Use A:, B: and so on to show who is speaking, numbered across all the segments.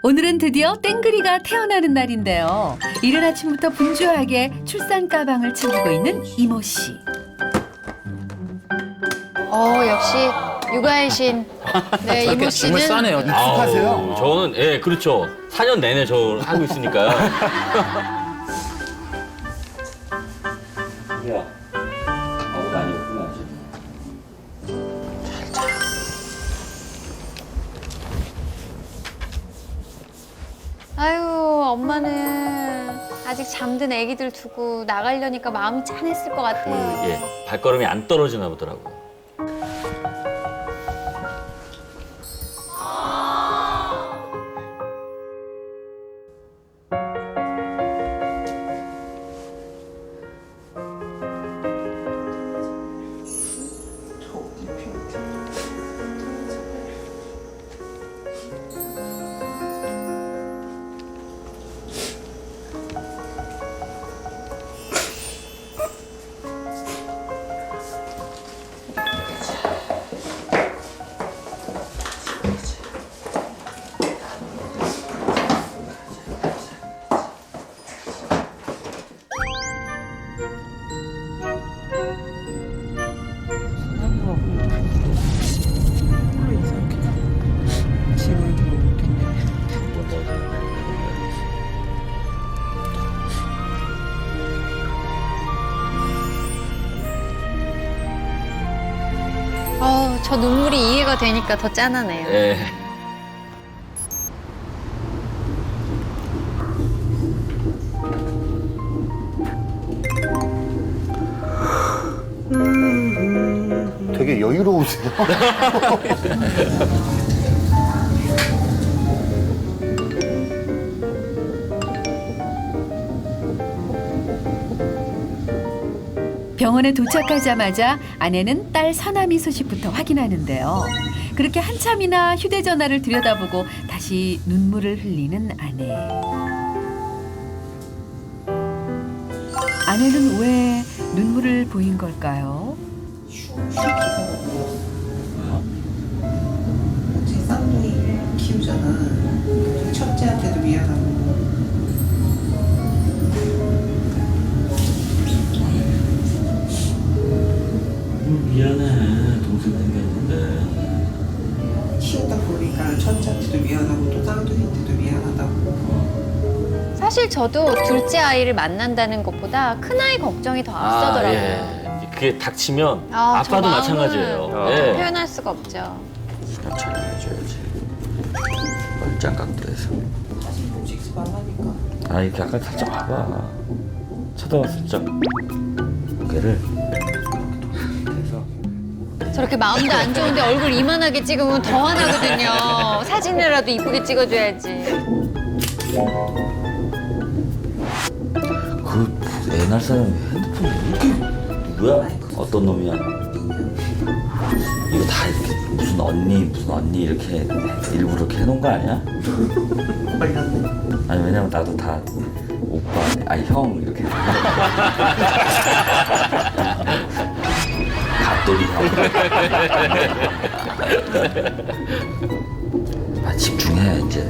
A: 오늘은 드디어 땡그리가 태어나는 날인데요. 이른 아침부터 분주하게 출산 가방을 챙기고 있는 이모 씨.
B: 역시 육아의 신. 네, 이모 씨는
C: 정말 싸네요.
D: 익숙하세요?
E: 저는 예 그렇죠. 4년 내내 저 하고 있으니까요. 야, 아무도 아니었구나.
B: 아유, 엄마는 아직 잠든 애기들 두고 나가려니까 마음이 짠했을 것 같아요.
E: 예, 발걸음이 안 떨어지나 보더라고요.
B: 저 눈물이 이해가 되니까 더 짠하네요.
E: 예.
D: 되게 여유로우세요.
A: 병원에 도착하자마자 아내는 딸 서남이 소식부터 확인하는데요. 그렇게 한참이나 휴대전화를 들여다보고 다시 눈물을 흘리는 아내. 아내는 왜 눈물을 보인 걸까요?
F: 제 쌍둥이 키우잖아. 첫째한테도 미안하고.
E: 미안해. 동생 생겼는데.
F: 키우다 보니까 첫째한테도 미안하고 또 쌍둥이한테도 미안하다고.
B: 사실 저도 둘째 아이를 만난다는 것보다 큰 아이 걱정이 더 앞서더라고요.
E: 예. 그게 닥치면
B: 아, 저
E: 아빠도
B: 마음을
E: 마찬가지예요. 예.
B: 표현할 수가 없죠.
G: 신호처럼 해줘야지. 멀짱 각도에서.
F: 사실 움직이지 말라니까.
G: 아 이렇게 약간 살짝 봐봐. 쳐다봐 살짝. 고개를 해서.
B: 저렇게 마음도 안 좋은데 얼굴 이만하게 찍으면 더 화나거든요. 사진이라도 이쁘게 찍어줘야지.
G: 그 옛날 사람이 핸드폰 이렇게 누구야? 어떤 놈이야? 이거 다 이렇게 무슨 언니 이렇게 일부러 이렇게 해놓은 거 아니야?
F: 걸렸네.
G: 아니 왜냐면 나도 다 오빠 아니 형 이렇게 갓돌이 형. 아 집중해 이제.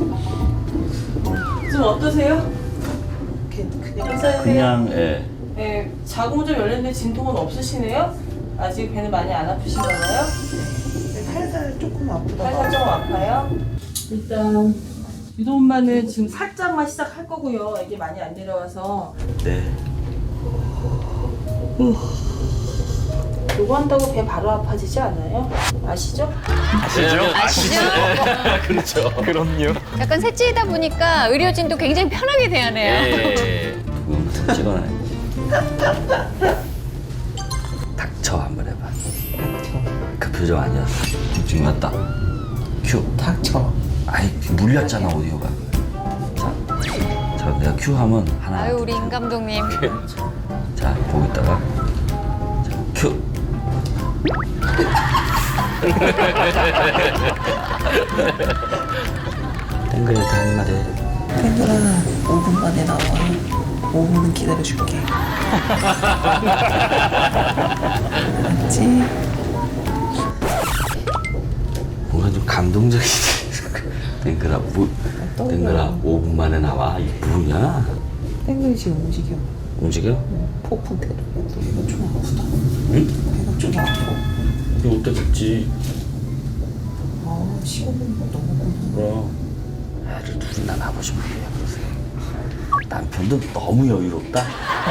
H: 좀 어떠세요? 괜찮으세요?
G: 그냥 예.
H: 네, 자궁 좀 열렸는데 진통은 없으시네요? 아직 배는 많이 안 아프신가요?
F: 살살 조금 아프다.
H: 살짝 좀 아파요? 일단 유도 엄마는 지금 살짝만 시작할 거고요. 이게 많이 안 내려와서
G: 네.
H: 요거 한다고 배 바로 아파지지 않아요? 아시죠?
B: 아시죠?
E: 그렇죠.
C: 그럼요.
B: 약간 셋째이다 보니까 의료진도 굉장히 편하게 대하네요.
E: 예.
G: 그거부터 찍어놔야지. 닥쳐 한번 해봐. 그 표정 아니었어. 집중 맞다. 큐.
F: 닥쳐.
G: 아이 물렸잖아 오디오가. 자 내가 큐 하면 하나.
B: 아유, 우리 임 감독님.
G: 자 보고 있다가 자 큐. 땡그레한테 한마디 해.
F: 땡그라 5분 만에 나와. 5분은 기다려줄게. 알았지?
G: 뭔가 좀 감동적이지. 땡그라 땡그라 5분 만에 나와. 이게 뭐냐?
F: 땡글이 지금 움직여.
G: 움직여?
F: 폭풍 대도. 이거 좀 아프다.
G: 응?
F: 배가 좀 아파.
G: 이거 어때 됐지?
F: 아, 15분 넘었구나.
G: 그럼 애를 둘이나 낳아보시면 돼요. 그러세요. 남편도 너무 여유롭다.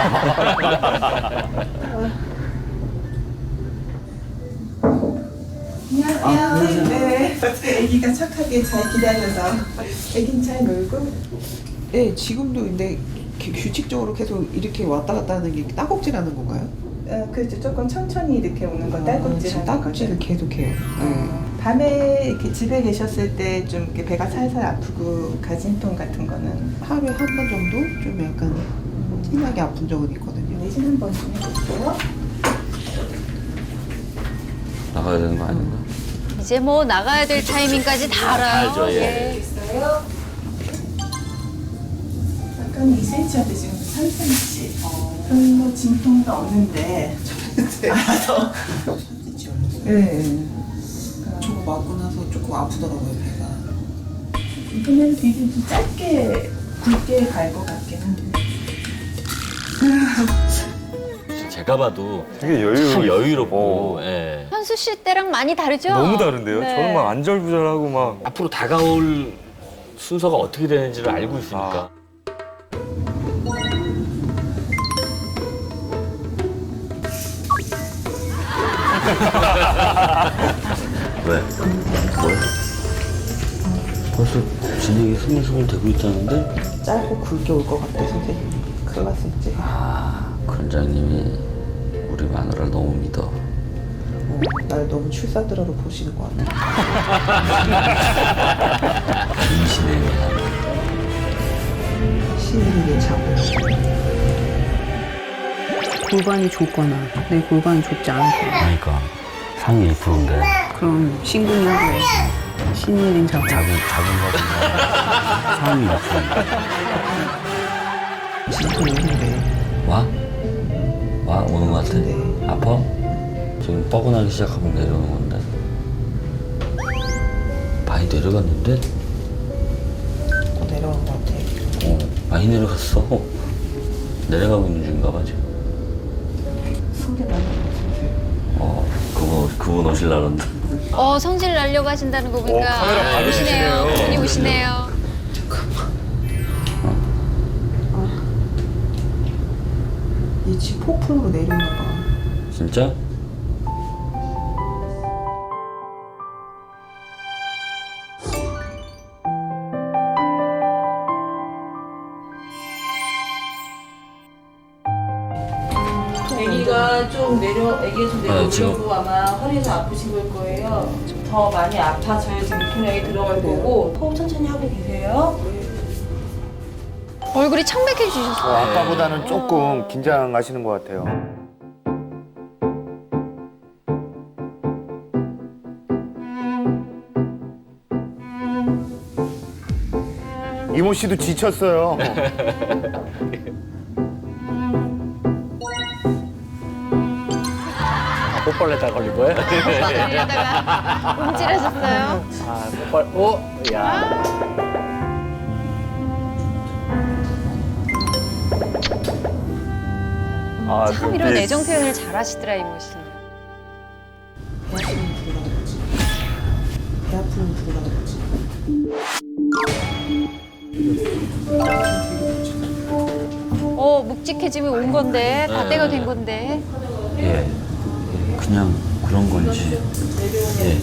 F: 안녕하세요. 네. 아기가 착하게 잘 기다려서. 아기는 잘 놀고. 네, 지금도 근데 규칙적으로 계속 이렇게 왔다 갔다 하는 게 딸꾹질하는 건가요?
C: 그렇죠. 조금 천천히 이렇게 오는 건 딸꾹질
F: 지금
C: 하는 거죠.
F: 딸꾹질을 계속해요. 네.
C: 밤에 이렇게 집에 계셨을 때 좀 이렇게 배가 살살 아프고 가진통 같은 거는
F: 하루에 한 번 정도 좀 약간 심하게 아픈 적은 있거든요.
C: 내신 한 번 좀 해볼게요.
G: 나가야 되는 거 아닌가?
B: 이제 뭐 나가야 될 타이밍까지 다 알아요.
E: 알죠, 예.
C: 알겠어요. 약간 2cm한테 지금 3cm. 별로 진통도 없는데. 알아서. 네.
F: 저거 맞고 나서 조금 아프더라고요, 배가.
C: 이번에는 되게 좀 짧게 굵게 갈 것 같긴 한데.
E: 제가 봐도
D: 되게
E: 참 여유롭고 예.
B: 현수 씨 때랑 많이 다르죠?
I: 너무 다른데요?
B: 네.
I: 저는 막 안절부절하고 막
E: 앞으로 다가올 순서가 어떻게 되는지를 알고 있으니까.
G: 왜? 뭐야? 벌써 진행이 스물스물 되고 있다는데?
F: 짧고 굵게 올 것 같아, 선생님. 큰일 났어, 이제.
G: 아, 관장님이 우리 마누라를 너무 믿어.
F: 날 너무 출산드라로 보시는 것 같아.
G: 임신의 미안.
F: 신인에게 잡고.
J: 골반이 좁거나 내 골반이 좁지 않거나
G: 그러니까 상위 1%인데
J: 그럼 신근이 하고 신일인 자고
G: 작은 거보다 상위 1%인데
F: 진짜 오는데.
G: 와? 와? 오는 거 같아?
F: 네.
G: 아파? 지금 뻐근하기 시작하면 내려오는 건데 많이 내려갔는데?
F: 내려간 것 같아.
G: 많이 내려갔어. 내려가고 있는 중인가 봐 지금. 그분 오실라는데.
B: 성질 날려고 하신다는 거 보니까
I: 카메라 받으시네요.
B: 분이 오시네요.
F: 얘 지금 폭풍으로 내려오나 봐.
G: 진짜?
H: 아기가 좀
G: 네, 지금.
H: 내려오려고 아마 허리에서 아프신 걸 거예요. 더 많이 아파져야 지금 통량이 들어갈 거고 호흡 천천히 하고 계세요.
B: 얼굴이 청백해지셨어요.
D: 아까보다는 조금 긴장하시는 것 같아요. 이모 씨도 지쳤어요.
E: 뽀빨레다 걸린 거예요?
B: 이러다가 움찔하셨어요.
E: 아, 뽀빨. 오, 야.
I: 아,
B: 참 이런 애정 표현을 잘하시더라 이모 씨.
F: 배 아프면 부르라 그러지.
B: 묵직해지면 온 건데 다 때가 된 건데.
G: 예. 그냥 그런 건지. 예.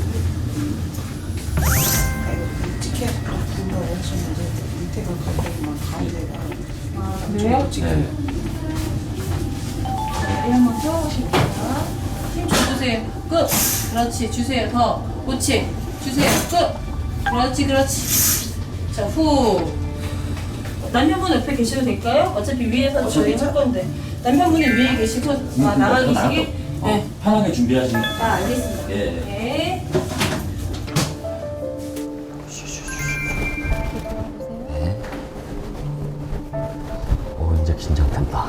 F: 찍혀 부르라고 하셨는데 밑에가 가까이만 가운데가.
H: 그래요?
G: 네.
H: 다리 한번 펴보실게요. 힘 줘주세요. 끝. 그렇지. 주세요. 더. 그렇지. 주세요. 끝. 그렇지. 그렇지. 자, 후. 남편분 옆에 계셔도 될까요? 어차피 위에서 저희 할 건데. 남편분이 위에 계시고 나가 계시기. 네.
G: 편하게 준비하시면.
H: 알겠습니다.
G: 예.
H: 네.
G: 이제 긴장된다.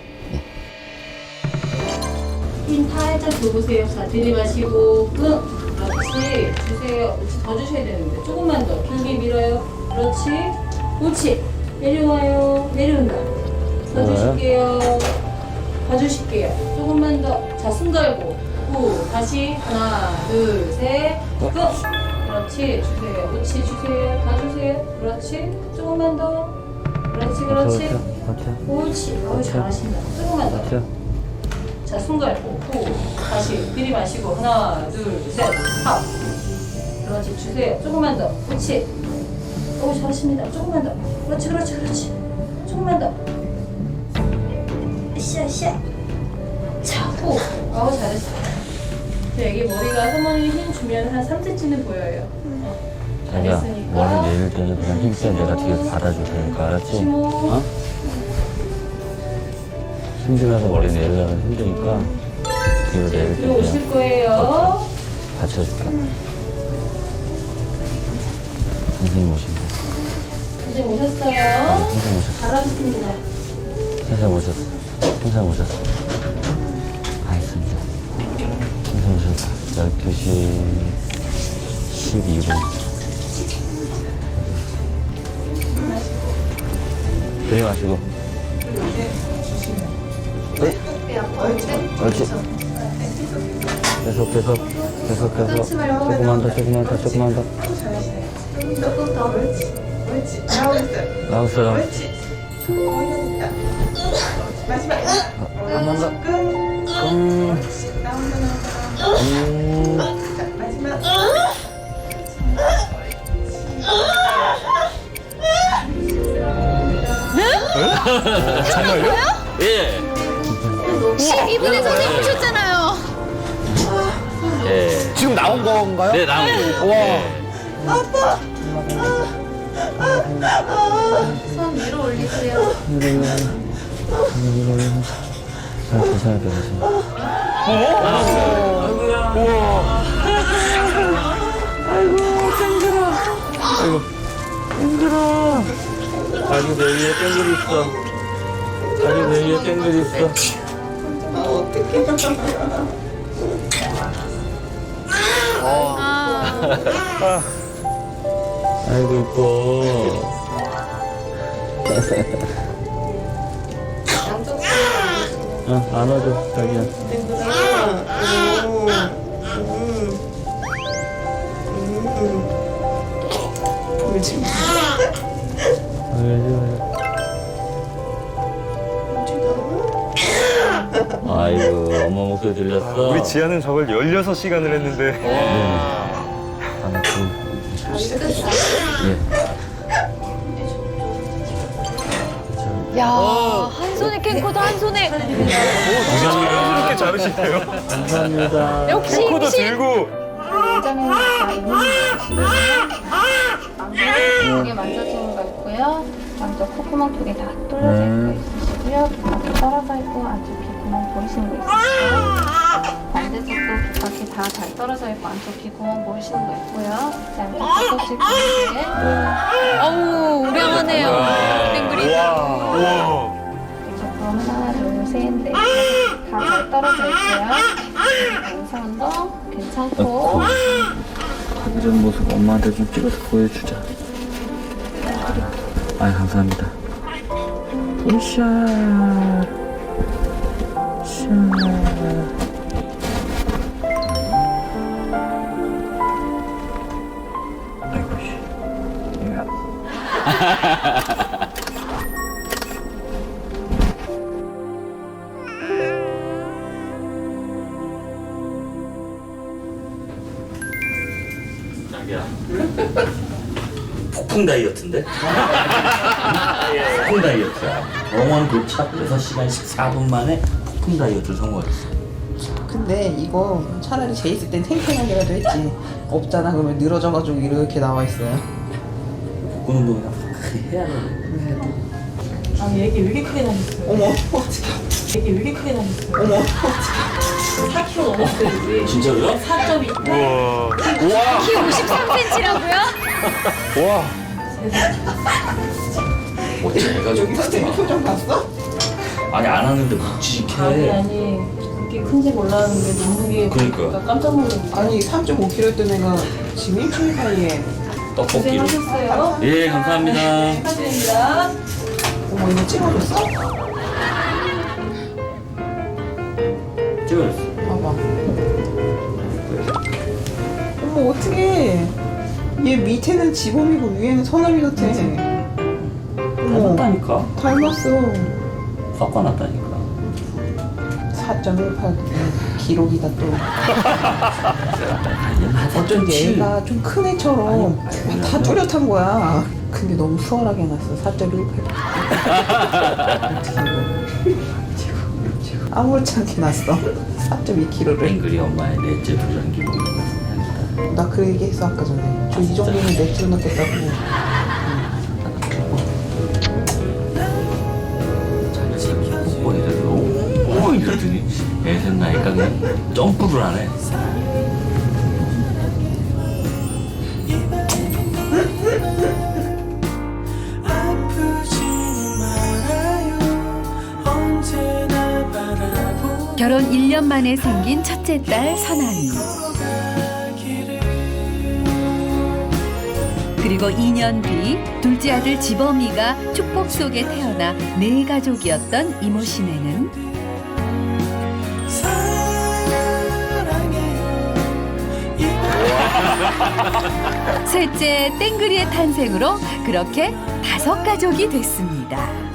H: 힘 살짝 줘보세요. 자, 들이마시고 끝. 그렇지. 주세요. 그렇지. 더 주셔야 되는데. 조금만 더. 길게 밀어요. 그렇지. 옳지. 내려와요. 내려온다. 더 주실게요. 더 주실게요. 조금만 더. 자, 숨 걸고. 후. 다시. 하나, 둘, 셋. 후. 그렇지. 주세요. 옳지. 주세요. 다 주세요. 그렇지. 조금만 더. 그렇지. 그렇지. 옳지. 잘하신다. 조금만 더. 자, 숨 갈고, 후, 다시 들이마시고, 하나, 둘, 셋, 합. 그렇지, 주세요. 조금만 더. 그렇지. 오, 잘하십니다. 조금만 더. 그렇지, 그렇지, 그렇지. 조금만 더. 으쌰. 자, 후. 아우, 잘했어. 여기 머리가 사모님 힘 주면 한 3cm는 보여요.
G: 자기야,
H: 잘했으니까.
G: 머리 내릴 때는 그냥 힘세 내가 뒤에서 받아줄 테니까, 알았지?
H: 시모.
G: 어? 힘주면서 머리 내리려면 힘드니까 뒤로 내릴 때
H: 그리고 오실
G: 그냥
H: 거예요.
G: 받쳐줄게. 선생님 오신다.
H: 이제 오셨어요.
G: 선생님 오셨어.
H: 잘하셨습니다.
G: 선생님 오셨어. 선생님 오셨어. 알겠습니다. 선생님 오셨어. 12시 12분. 들이마시고. 네. 옳지. 계속. 조금만 더.
C: 조금 더. 옳지.
G: 나왔어요.
C: 옳지. 거의 다 됐다. 마지막.
G: 한번 더.
C: 나온다. 자, 마지막.
E: 정말요? 예.
B: 12분에 선생님 오셨잖아요.
G: 예.
D: 지금 나온 건가요?
G: 네, 나온 거예요.
D: 와.
H: 손 위로 올리세요.
G: 잘 조심할게.
I: 자기 내 위에 땡글 있어. 자기 내 위에 땡글 있어.
G: 아이고 이뻐. 안아줘 자기야. 아이고 엄마 목소리 들렸어.
I: 우리 지아는 저걸 16시간을 했는데.
B: 야, 한 손에 캔코더, 한 손에.
I: 이렇게 자르시네요.
G: 감사합니다.
B: 역시
I: 코도
B: 임신.
I: 들고.
H: 두개 만져주는 거 있고요. 먼저 콧구멍 두 개 다 뚫려져 있고 있으시고요. 귀밖에 떨어져 있고 안쪽 귀구멍 보이시는 거 있으시고요. 반대쪽도 귀밖에 다 잘 떨어져 있고 안쪽 귀구멍 보이시는 거 있고요. 그다음에 젖꼭지 보이시게
B: 어우, 우량하네요. 땡글이.
I: 우와.
H: 조금 하나 둘셋 넷 다 잘 떨어져 있고요. 영상도 괜찮고
G: 이런 모습 엄마한테 좀 찍어서 보여주자. 아이 감사합니다. 으쌰. 아이고 씨. 자기야. 폭풍 다이어트인데? 폭풍 다이어트야. 병원 도착 6시간 14분 만에 폭풍 다이어트를 성공했어.
F: 근데 이거 차라리 쟤 있을 땐 탱탱하게라도 했지. 없잖아 그러면 늘어져가지고 이렇게 나와 있어요.
G: 복근 운동이랑 해야 돼.
H: 아 얘기 왜 이렇게 크게 나셨어요?
F: 어머 어떡해.
H: 얘기 왜 이렇게 크게 나셨어요?
F: 어머 어떡해.
H: 4kg 넘었어요 이제.
G: 진짜로요?
H: 4.2.
I: 우와.
B: 키 53cm라고요?
D: 와.
G: 어째 애가 좀
F: 여기 선생님 표정 봤어?
G: 아니 안 하는데 묵직해.
H: 아니 이렇게 큰지 몰랐는데 몸무게
E: 그러니까.
H: 보니까 깜짝 놀랐는데.
F: 아니 3.5kg 던 애가 지금 일주일 사이에
E: 떡볶이로.
H: 고생하셨어요.
G: 예, 감사합니다.
H: 네, 축하드립니다.
F: 어머 이거 찍어줬어?
G: 찍어줬어.
F: 봐봐. 어머 어떡해. 얘 밑에는 지범이고 위에는 서남이 같아. 어머
G: 닮았다니까.
F: 닮았어.
G: 섞어놨다니까.
F: 4.18 기록이다 또. 어쩐지 애가 좀 큰 애처럼 다 뚜렷한 거야. 근데 너무 수월하게 해놨어. 4.18. 아무렇지 않게 났어. 4.2kg를.
G: 땡글이 엄마의 넷째 불량기 먹는 것은
F: 나 그 얘기 했어 아까 전에. 저 이 정도면 넷째로 넣겠다고.
G: 자기가 뽀뽀해서 오 이러더니 애생 나니까 그냥 점프를 하네.
A: 결혼 1년 만에 생긴 첫째 딸 선아미. 그리고 2년 뒤 둘째 아들 지범이가 축복 속에 태어나 네 가족이었던 이모 씨네는 셋째 땡그리의 탄생으로 그렇게 5가족이 됐습니다.